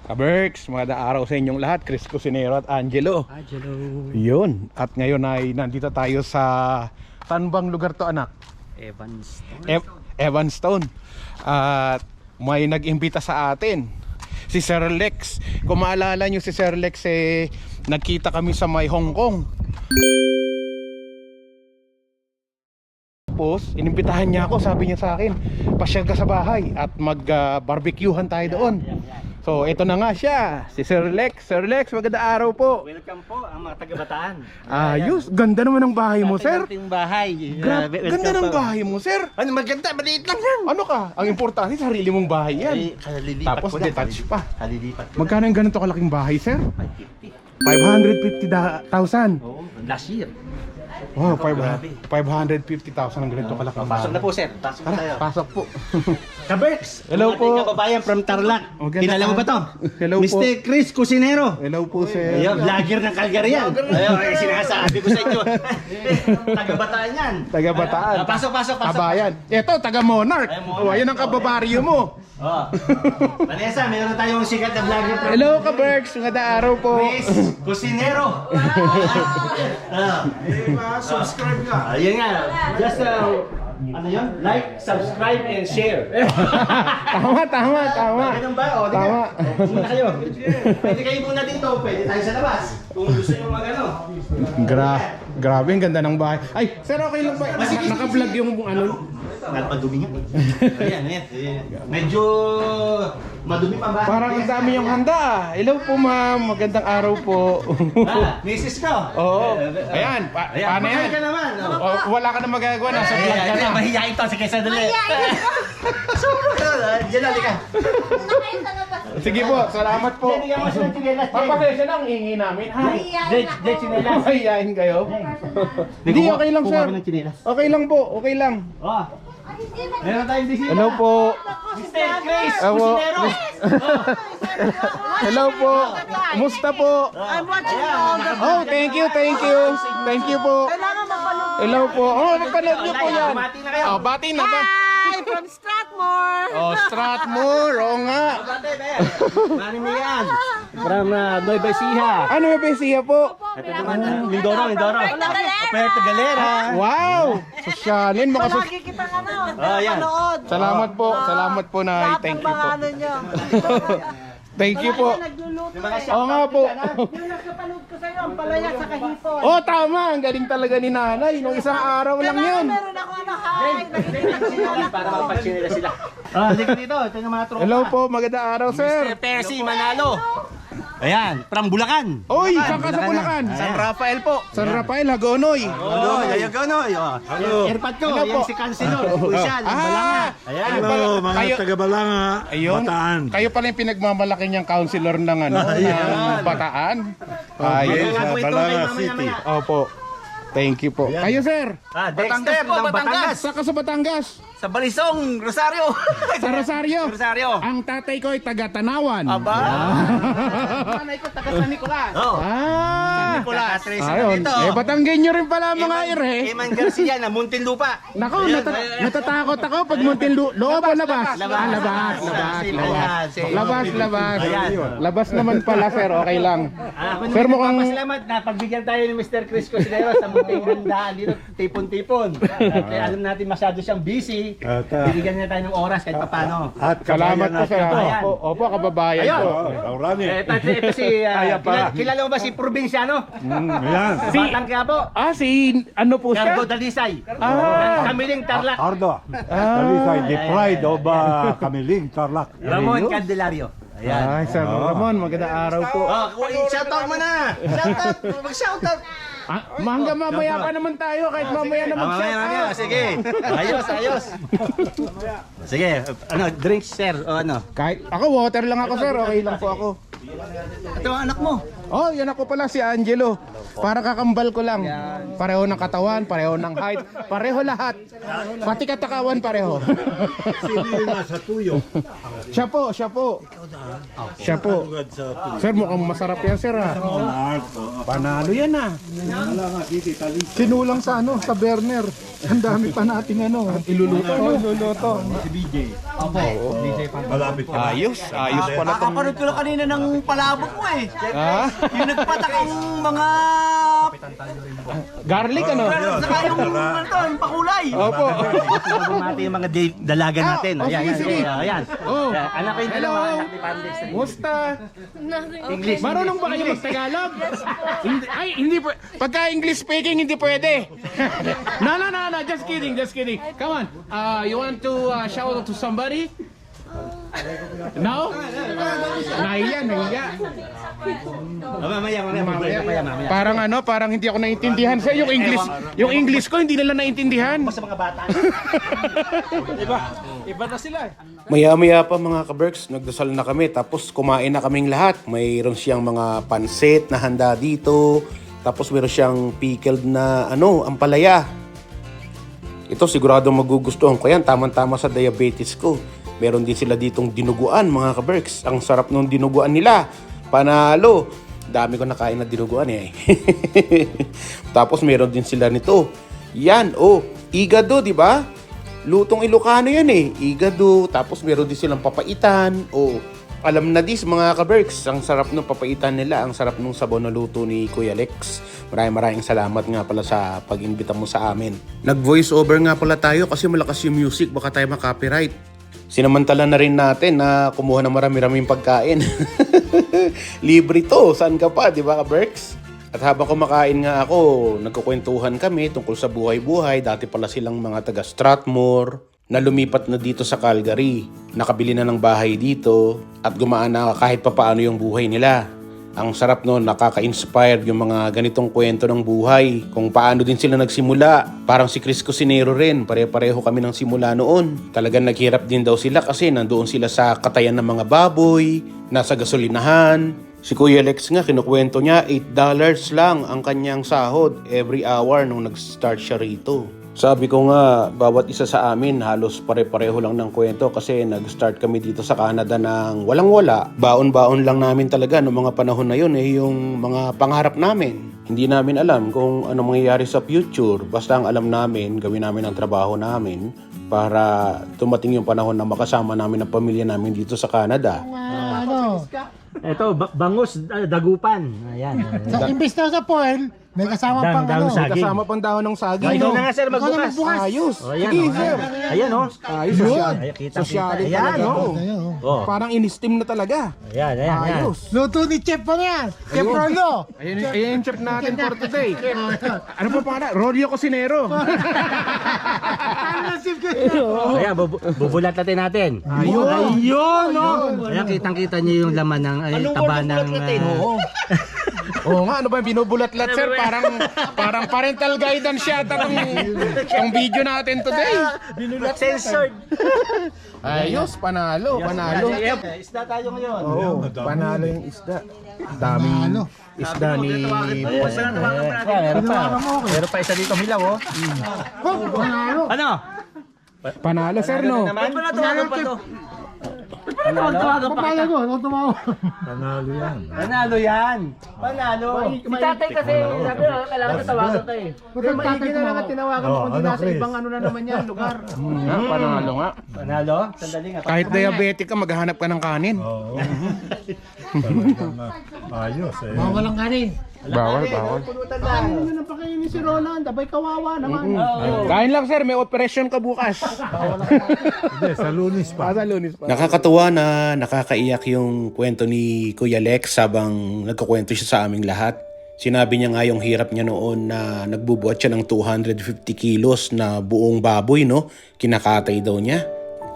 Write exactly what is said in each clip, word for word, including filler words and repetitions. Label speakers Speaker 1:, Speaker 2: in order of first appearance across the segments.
Speaker 1: Kaberks, magandang araw sa inyong lahat. Chris Cusinero at Angelo.
Speaker 2: Angelo.
Speaker 1: Yun. At ngayon ay nandito tayo sa saan bang lugar to, anak?
Speaker 2: Evanston.
Speaker 1: E Evanston. At may nag-imbita sa atin, si Sir Lex. Kung maalala nyo si Sir Lex, eh, nagkita kami sa may Hong Kong. Tapos, inimbitahan niya ako, sabi niya sa akin, pasyal ka sa bahay at mag-barbecuehan tayo doon. So, ito na nga siya, si Sir Lex. Sir Lex, magandang araw po.
Speaker 2: Welcome po ang mga taga-Bataan.
Speaker 1: Ayos, ganda naman ng bahay mo, sir.
Speaker 2: Ating bahay.
Speaker 1: Gra-
Speaker 2: Uh,
Speaker 1: ganda ng
Speaker 2: po.
Speaker 1: bahay mo, sir.
Speaker 2: Ano maganda, maliit lang yan.
Speaker 1: Ano ka? Ang importante, sarili mong bahay yan.
Speaker 2: Ay, kalilipat
Speaker 1: Tapos
Speaker 2: ko na,
Speaker 1: detached pa.
Speaker 2: Kalilipat ko
Speaker 1: Magkano yung ganito kalaking bahay, sir?
Speaker 2: na. five fifty.
Speaker 1: five hundred fifty thousand.
Speaker 2: Oo, last year.
Speaker 1: Wow,
Speaker 2: grabe.
Speaker 1: five hundred fifty thousand ang ganito kalaking
Speaker 2: Pasok
Speaker 1: bahay.
Speaker 2: na po, sir. Pasok na tayo.
Speaker 1: Tara, pasok po.
Speaker 2: Kaberks.
Speaker 1: Hello po.
Speaker 2: Ating kababayan from Tarlac.
Speaker 1: Oh, ganda
Speaker 2: Kilala mo
Speaker 1: ka.
Speaker 2: ba to?
Speaker 1: Hello po.
Speaker 2: mister Chris Cusinero.
Speaker 1: Hello po, sir.
Speaker 2: Ayun, vlogger ng Calgary yan. Ayun, ay sinasabi ko sa inyo. Taga-Bataan yan.
Speaker 1: Taga Bataan.
Speaker 2: Ah, pasok, pasok, pasok.
Speaker 1: Kabayan. Ito, taga Monarch.
Speaker 2: Ay, Monarch.
Speaker 1: Oh, ayun ang kababaryo mo.
Speaker 2: Oh. Vanessa, meron tayong sikat na vlogger from
Speaker 1: Hello, Kaberks. Magandang araw po.
Speaker 2: Chris Cusinero. Ah.
Speaker 3: Subscribe ka.
Speaker 2: Ayun nga. Just uh, ano yun? Like, subscribe, and share.
Speaker 1: Tama, tama, tama.
Speaker 2: Ganun ba? O, di
Speaker 1: Tama.
Speaker 2: ka. O, muna kayo. Pwede kayo muna dito. Pwede tayo sa labas. Kung gusto nyo mag-ano.
Speaker 1: Gra grabe, ang ganda ng bahay. Ay, sir, okay lang ba?
Speaker 2: Sige,
Speaker 1: Naka-vlog yung ano?
Speaker 2: Nalpadumi nga. Ayan, ayan. Medyo madumi pa ba?
Speaker 1: Parang ang dami yung handa. Ah. Hello po, ma'am. Magandang araw po.
Speaker 2: Ah, misis ko.
Speaker 1: Oo. Ayan, pa
Speaker 2: Ayan,
Speaker 1: paano yan?
Speaker 2: ka naman. Oh.
Speaker 1: O, wala ka na magagawa. Nasa vlog ka na.
Speaker 2: Mahihain to. Sige, sandali. Diyan na, ka.
Speaker 1: Sige po, salamat po.
Speaker 2: Bigyan mo siya ng chinelas.
Speaker 1: Papasensya na ang hingi namin. Hi.
Speaker 2: Jet, jet chinelas.
Speaker 1: Mahihayin kayo. Hindi, okay lang, sir.
Speaker 2: Kuha ng chinelas.
Speaker 1: Okay lang po, okay lang.
Speaker 2: Oh. Meron tayong bisita.
Speaker 1: Hello po.
Speaker 2: mister Chris
Speaker 1: Ewo.
Speaker 2: Cusinero.
Speaker 1: Hello po. Kumusta po?
Speaker 4: I'm watching all the...
Speaker 1: Oh, thank you, thank you. Thank you po.
Speaker 4: Kailangan mapanood.
Speaker 1: Hello po. Oh, napanood niyo po yan.
Speaker 2: Bumati na kayo.
Speaker 1: Oh, bati na ba?
Speaker 4: Hi! From Strathmore!
Speaker 1: Oh, Strathmore. Oo nga.
Speaker 2: Bate, be. Mani mo yan. From uh, Nueva Ecija.
Speaker 1: Ano yung besiya po?
Speaker 2: Ito naman, uh, Mindoro, Mindoro. Puerto Galera.
Speaker 1: Wow! Sosyalin, makasas...
Speaker 4: Palagi kitang ano,
Speaker 2: Oh, yan.
Speaker 4: manood.
Speaker 1: Salamat po, salamat po na
Speaker 4: Lahat
Speaker 1: thank
Speaker 4: ng
Speaker 1: you
Speaker 4: mga
Speaker 1: po.
Speaker 4: ano nyo.
Speaker 1: Thank you po.
Speaker 4: Nagluluto eh.
Speaker 1: Oo nga po.
Speaker 4: Yung nagkapanood ko sa'yo, ang palaya sa kahipon.
Speaker 1: Oh, tama. Ang galing talaga ni nanay. Nung isang araw lang
Speaker 4: Kailangan
Speaker 1: yun.
Speaker 4: meron ako ano, hi! Nakikita ko yung anak
Speaker 2: Para
Speaker 4: ko.
Speaker 2: mapagsinila sila. Ah, halika dito. Ito yung mga tropa.
Speaker 1: Hello po, magandang araw,
Speaker 2: mister
Speaker 1: sir.
Speaker 2: Percy Manalo. Ayan, from Bulacan.
Speaker 1: Oy, saan ka sa Bulacan?
Speaker 2: San Rafael po.
Speaker 1: San Rafael, Hagonoy.
Speaker 2: Oh, ayaw ka no. Airpad ko,
Speaker 1: Hello po.
Speaker 2: yan si Councilor. Pusyal,
Speaker 1: Ah,
Speaker 2: Balanga. Ayan.
Speaker 1: ano pala,
Speaker 3: Hello, mga
Speaker 1: kayo,
Speaker 3: taga-Balanga,
Speaker 1: ayun,
Speaker 3: Bataan.
Speaker 1: kayo pala yung pinagmamalaki niyang counselor ng ano, ng Bataan. Ayun.
Speaker 2: Bago ito,
Speaker 3: Balanga
Speaker 2: kayo mamaya,
Speaker 3: City.
Speaker 2: mamaya.
Speaker 1: Opo. Thank you po. Kayo, sir.
Speaker 2: Ah, Dexter ng Batangas.
Speaker 1: Saka sa Batangas.
Speaker 2: Sa Balisong, Rosario.
Speaker 1: Sa Rosario.
Speaker 2: Rosario.
Speaker 1: Ang tatay ko ay taga Tanawan.
Speaker 2: Aba.
Speaker 1: Nanay ko taga San Nicolas.
Speaker 2: Oh.
Speaker 1: Ah.
Speaker 2: Nicolas.
Speaker 1: Ayun. Eh, Batanggenyo rin pala mga ire.
Speaker 2: Eman Garcia na Muntinlupa.
Speaker 1: Nako, nata- natatakot ako pag Muntinlu. Loob o labas?
Speaker 2: labas.
Speaker 1: Ah, labas, labas,
Speaker 2: Same
Speaker 1: labas.
Speaker 2: yan, same.
Speaker 1: Labas, labas.
Speaker 2: Ayan.
Speaker 1: Labas naman pala, sir. Okay lang.
Speaker 2: Ah, ako
Speaker 1: Sir,
Speaker 2: naman
Speaker 1: mukhang-
Speaker 2: nagpapasalamat na pagbigyan tayo ni mister Chris Cusinero sa munting handaan dito, tipon-tipon. Kaya alam natin masyado siyang busy.
Speaker 3: At, ah,
Speaker 2: Bibigyan niya tayo ng oras kahit paano.
Speaker 3: At
Speaker 1: Salamat po, sir.
Speaker 2: Ayan.
Speaker 1: Opo, opo, kababayan
Speaker 2: Ayun.
Speaker 1: ko.
Speaker 3: Laurani.
Speaker 2: Eh, ito, ito si, uh,
Speaker 3: Kaya pa.
Speaker 2: kilala, kilala mo ba si Probinsyano?
Speaker 3: Ayan.
Speaker 2: Si Batang Quiapo?
Speaker 1: Ah, si ano po siya?
Speaker 2: Cargo Dalisay.
Speaker 1: Ah.
Speaker 2: Kamiling Tarlac.
Speaker 3: Ardo. Talisay, the pride of uh, Kamiling, Tarlac.
Speaker 2: Ramon Candelario. Ayan.
Speaker 1: Ay, Sir Ramon, magandang araw po.
Speaker 2: Oh, shoutout mo na. Shoutout. Mag-shoutout.
Speaker 1: Ah, hanggang mamaya pa naman tayo, kahit mamaya na
Speaker 2: Ah, mamaya,
Speaker 1: mag-shout
Speaker 2: mamaya.
Speaker 1: out.
Speaker 2: Sige. Ayos, ayos. Sige. Ano, drinks, sir? O ano?
Speaker 1: Kahit, ako water lang ako, sir. Okay lang po ako.
Speaker 2: Ito ang anak mo.
Speaker 1: Oh, yan ako pala si Angelo. Para kakambal ko lang. Pareho ng katawan, pareho ng height, pareho lahat. Pati katakawan pareho.
Speaker 3: Sino yung nasa tuyo?
Speaker 1: Siya po, siya po. Siya po.
Speaker 3: Tugad sa tuyo.
Speaker 1: Sir, mukhang masarap yan, sir ha.
Speaker 3: Art, oh.
Speaker 1: Panalo yan ah.
Speaker 3: Wala nga, dito, Italy.
Speaker 1: Sinulang sa ano, sa burner. Ang dami pa nating ano, iluluto. Iluluto.
Speaker 3: Si B J. Malapit ka.
Speaker 1: Ayos, ayos pala tong...
Speaker 2: Nakapanood ko lang kanina ng palabok mo eh.
Speaker 1: Ah,
Speaker 2: Yung nagpatakang mga...
Speaker 1: garlic ano?
Speaker 2: Saka yung ano to, yung pakulay.
Speaker 1: Opo.
Speaker 2: Bumati yung mga di- dalaga natin.
Speaker 1: Ah, oh,
Speaker 2: Ayan,
Speaker 1: sige,
Speaker 2: ayan,
Speaker 1: sige.
Speaker 2: ayan, ayan.
Speaker 1: Oh.
Speaker 2: Ayan, anak ko yung
Speaker 1: Hello.
Speaker 2: dalawa, anak ni Pandex.
Speaker 1: Musta?
Speaker 2: English.
Speaker 1: Marunong ba kayo mag-Tagalog? Hindi, ay, hindi po. Pagka English speaking, hindi pwede. no, no, no, no. Just kidding, just kidding. Come on. Uh, you want to uh, shout out to somebody? No? Nahiya, nahiya.
Speaker 2: Oh, mamaya, mamaya, mamaya, mamaya, mamaya.
Speaker 1: Parang ano, parang hindi ako naintindihan sa yung English. Yung English ko hindi nila naintindihan.
Speaker 2: Sa mga bata.
Speaker 1: Maya-maya pa mga ka-Berks, nagdasal na kami tapos kumain na kaming lahat. Mayroon siyang mga pansit na handa dito. Tapos mayroon siyang pickled na ano, ampalaya. Ito sigurado magugustuhan ko yan, tamang-tama sa diabetes ko. Meron din sila ditong dinuguan mga ka-Berks. Ang sarap nung dinuguan nila. Panalo. Dami ko nakain na dinuguan eh. Tapos meron din sila nito. Yan, oh, igado, di ba? Lutong Ilocano yan eh. Igado. Tapos meron din silang papaitan. Oh, alam na dis mga ka-Berks. Ang sarap ng papaitan nila. Ang sarap nung sabaw na luto ni Kuya Lex. Maraming maraming salamat nga pala sa pag-imbita mo sa amin. Nag-voice over nga pala tayo kasi malakas yung music. Baka tayo makopyright. Sinamantala na rin natin na kumuha ng marami-raming pagkain. Libre to. Saan ka pa, di ba ka-Berks? At habang kumakain nga ako, nagkukwentuhan kami tungkol sa buhay-buhay. Dati pala silang mga taga Strathmore na lumipat na dito sa Calgary. Nakabili na ng bahay dito at gumaan na kahit papaano yung buhay nila. Ang sarap noon, nakaka-inspire yung mga ganitong kwento ng buhay. Kung paano din sila nagsimula. Parang si Chris Cusinero rin, pare-pareho kami ng simula noon. Talagang naghirap din daw sila kasi nandoon sila sa katayan ng mga baboy, nasa gasolinahan. Si Kuya Lex nga, kinukwento niya, eight dollars lang ang kanyang sahod every hour nung nag-start siya rito. Sabi ko nga, bawat isa sa amin halos pare-pareho lang ng kwento kasi nag-start kami dito sa Canada ng walang-wala. Baon-baon lang namin talaga noong mga panahon na yun eh, yung mga pangarap namin. Hindi namin alam kung ano mangyayari sa future. Basta ang alam namin, gawin namin ang trabaho namin para tumating yung panahon na makasama namin ang pamilya namin dito sa Canada.
Speaker 5: Ano,
Speaker 2: Ito, ba- bangus, ah, dagupan. Ayan.
Speaker 5: sa imbis na sa foil, may kasama
Speaker 2: Dang-
Speaker 5: pang
Speaker 2: dang
Speaker 5: ano.
Speaker 2: saging.
Speaker 1: Kasama pang dahon ng saging.
Speaker 2: Ikaw
Speaker 1: no?
Speaker 2: na nga sir,
Speaker 5: Ikaw na
Speaker 2: magbukas.
Speaker 5: magbukas.
Speaker 1: Ayos.
Speaker 2: Oh, ayan,
Speaker 1: Sige,
Speaker 2: oh.
Speaker 1: sir.
Speaker 2: Ayan, oh.
Speaker 1: Ayos. Social.
Speaker 2: Ayan, kita,
Speaker 1: Sociality
Speaker 2: kita. Ayan,
Speaker 1: talaga
Speaker 2: oh.
Speaker 1: to.
Speaker 5: Ayun, oh.
Speaker 2: Oh.
Speaker 1: Parang in-steam na talaga.
Speaker 2: Ayan, ayan, ayan.
Speaker 1: Ayos.
Speaker 5: Luto ni Chef pa na yan. Chef Rolo.
Speaker 1: Ayun, ayun yung chef natin for today. Ano pa pala? Rolio Cusinero.
Speaker 5: Ano Chef ko?
Speaker 2: Ayan, bubu- bubulatatin natin.
Speaker 1: Ayun.
Speaker 2: Ayun, no? Ayan, kitang-kita niyo yung laman ng ay, taba ng...
Speaker 1: Oo. Oo nga, ano ba yung binubulat-lat, sir? Parang parang parental guidance siya tong, tong video natin today.
Speaker 2: Binulat censored.
Speaker 1: Ayos, panalo, panalo.
Speaker 2: Isda tayo ngayon.
Speaker 1: Oo, panalo yung isda. Daming isda ni...
Speaker 2: Meron pa. Meron pa isa dito hilaw, oh.
Speaker 5: Oh, panalo.
Speaker 2: Ano?
Speaker 1: Panalo, sir, no?
Speaker 2: Panalo pa to.
Speaker 5: Papala ko, ano tumawa?
Speaker 3: Panalo yan.
Speaker 2: Panalo yan. Panalo. Si tatay kasi, sabi na, kailangan na tawagan ka eh.
Speaker 5: Ba't maigi na lang at
Speaker 1: tinawagan
Speaker 3: mo, kundi nasa ibang
Speaker 1: ano na naman yan, lugar. Panalo nga.
Speaker 2: Panalo? Sandali nga.
Speaker 1: Kahit diabetic ka, maghahanap ka ng kanin.
Speaker 3: Oo. Talagang ah, ayos eh.
Speaker 5: Mga walang kanin.
Speaker 1: Bawal, bawal.
Speaker 5: Ano na napakainin si Roland? Abay kawawa naman.
Speaker 1: Kain lang, sir. May operation ka bukas.
Speaker 3: Hindi, sa lunis pa.
Speaker 1: Sa lunis pa. Nakakatuwa na nakakaiyak yung kwento ni Kuya Lex habang nagkukwento siya sa aming lahat. Sinabi niya nga yung hirap niya noon na nagbubuhat siya ng two hundred fifty kilos na buong baboy, no? Kinakatay daw niya.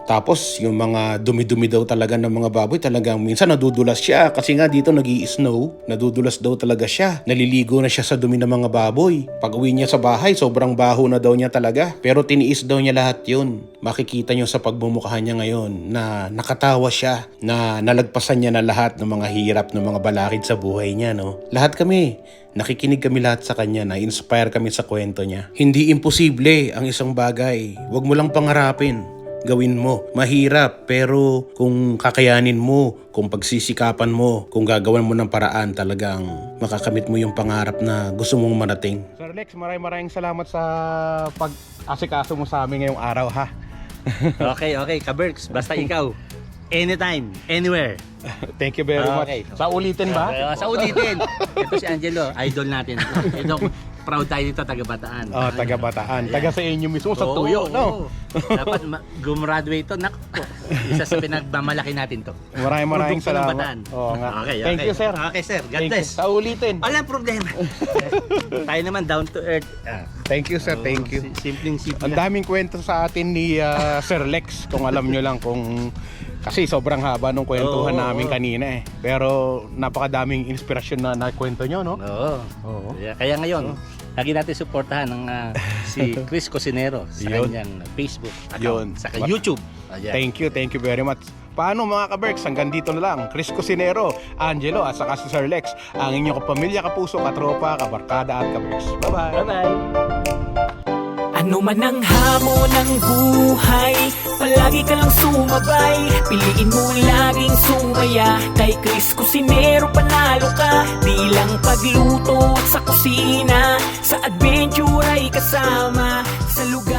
Speaker 1: Tapos yung mga dumi-dumi daw talaga ng mga baboy, talagang minsan nadudulas siya kasi nga dito nag-i-snow, nadudulas daw talaga siya. Naliligo na siya sa dumi ng mga baboy. Pag uwi niya sa bahay, sobrang baho na daw niya talaga. Pero tiniis daw niya lahat yun. Makikita niyo sa pagbumukha niya ngayon na nakatawa siya, na nalagpasan niya na lahat ng mga hirap ng mga balakid sa buhay niya, no? Lahat kami, nakikinig kami lahat sa kanya, na-inspire kami sa kwento niya. Hindi imposible ang isang bagay. Huwag mo lang pangarapin. Gawin mo. Mahirap, pero kung kakayanin mo, kung pagsisikapan mo, kung gagawan mo ng paraan, talagang makakamit mo yung pangarap na gusto mong marating. Sir Lex, maraming maraming salamat sa pag-asikaso mo sa amin ngayong araw, ha?
Speaker 2: Okay, okay, Kaberks, basta ikaw. Anytime, anywhere.
Speaker 1: Thank you very
Speaker 2: Okay.
Speaker 1: much. Sa ulitin ba?
Speaker 2: Uh, sa ulitin. Ito si Angelo, idol natin. Ito, proud tayo dito, taga-Bataan.
Speaker 1: Oh, taga Bataan. Taga sa inyo mismo, sa
Speaker 2: Oo,
Speaker 1: Tuyo, no?
Speaker 2: oo. Dapat ma- gumraduate to. Naku po. Isa sa pinagmamalaki natin to.
Speaker 1: Maraming maraming
Speaker 2: Produkto ng
Speaker 1: salamat.
Speaker 2: Bataan.
Speaker 1: Oo nga.
Speaker 2: Okay,
Speaker 1: Thank
Speaker 2: okay.
Speaker 1: you, sir.
Speaker 2: Okay, sir. God
Speaker 1: Thank
Speaker 2: bless.
Speaker 1: you. Sa ulitin.
Speaker 2: Walang problema. Tayo naman down to earth. Ah,
Speaker 1: Thank you, sir. Thank you.
Speaker 2: si- Simpleng simple.
Speaker 1: Ang daming kwento sa atin ni ah, Sir Lex, kung alam nyo lang kung... Kasi sobrang haba nung kwentuhan
Speaker 2: Oo,
Speaker 1: namin
Speaker 2: oo.
Speaker 1: kanina eh. Pero napakadaming inspirasyon na nakwento nyo, no?
Speaker 2: Oo.
Speaker 1: Oo.
Speaker 2: Kaya, kaya ngayon, lagi natin suportahan ng ah, si Chris Cosinero sa
Speaker 1: Yun.
Speaker 2: kanyang Facebook
Speaker 1: Yun.
Speaker 2: account, saka YouTube. Ayan.
Speaker 1: Thank you, thank you very much. Paano mga ka-Berks, hanggang dito na lang. Chris Cosinero, Angelo at saka si Sir Lex, ang inyong kapamilya, kapuso, katropa, kabarkada at ka-Berks. Bye-bye!
Speaker 2: Bye-bye.
Speaker 6: Ano man ang hamon ng buhay, palagi ka lang sumabay. Piliin mo laging sumaya, kay Chris Cusinero panalo ka. Di lang pagluto at sa kusina, sa adventure ay kasama. Sa lugar